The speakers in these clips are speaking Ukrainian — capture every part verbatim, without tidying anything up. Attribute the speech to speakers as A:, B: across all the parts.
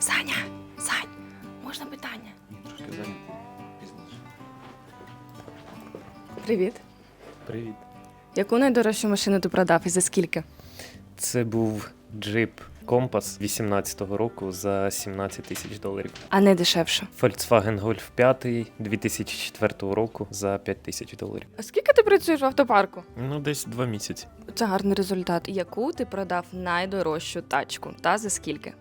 A: Саня, Сань, можна питання?
B: Трошки зайнятий. Пізніше.
A: Привіт.
C: Привіт.
A: Яку найдорожчу машину ти продав і за скільки?
C: Це був джип Компас вісімнадцятого року за сімнадцять тисяч доларів.
A: А не дешевше.
C: Volkswagen Golf п'ять дві тисячі четвертого року за п'ять тисяч доларів.
A: А скільки ти працюєш в автопарку?
C: Ну, десь два місяці.
A: Це гарний результат. Яку ти продав найдорожчу тачку та за скільки?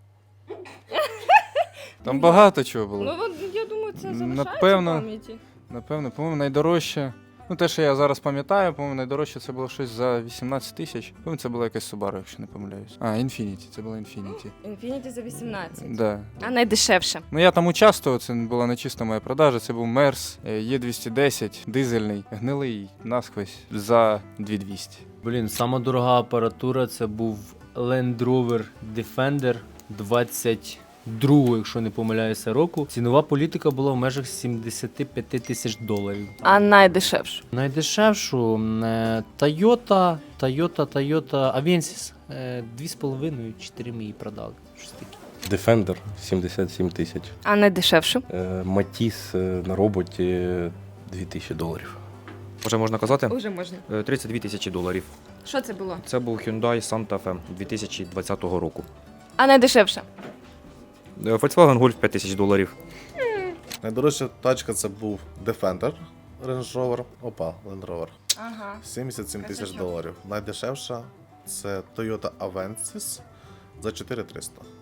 D: Там багато чого було.
A: Ну, я думаю, це
D: залишається Напевно. в
A: пам'яті.
D: Напевно, по-моєму, найдорожче. Ну, те, що я зараз пам'ятаю, по-моєму, найдорожче це було щось за вісімнадцять тисяч. По-моєму, це була якась Subaru, якщо не помиляюсь. А, Infiniti, це була Infiniti.
A: Infiniti за вісімнадцять.
D: Да.
A: А найдешевше?
D: Ну, я там участвував, це була не чиста моя продажа, це був Мерс Е двісті десять, дизельний, гнилий, насквозь, за дві тисячі двісті.
E: Блін, сама дорога апаратура це був Land Rover Defender двадцять другого, якщо не помиляюся, року. Цінова політика була в межах сімдесят п'ять тисяч доларів.
A: А найдешевше?
E: Найдешевшу е, Toyota, Toyota, Toyota Avensis. е, Дві з половиною, чотири ми її продали. Щось таке.
B: Defender сімдесят сім тисяч.
A: А найдешевше?
B: Матіс на роботі дві тисячі доларів.
F: Вже можна казати?
A: Уже можна.
F: Е, тридцять дві тисячі доларів.
A: Що це було?
F: Це був Hyundai Santa Fe дві тисячі двадцятого року.
A: А найдешевше?
F: Е, Volkswagen Golf п'ять тисяч доларів.
G: Найдорожча тачка це був Defender Range Rover. Опа, Land Rover.
A: Ага.
G: сімдесят сім тисяч
A: Красачок.
G: доларів. Найдешевша це Toyota Avensis за чотири тисячі триста.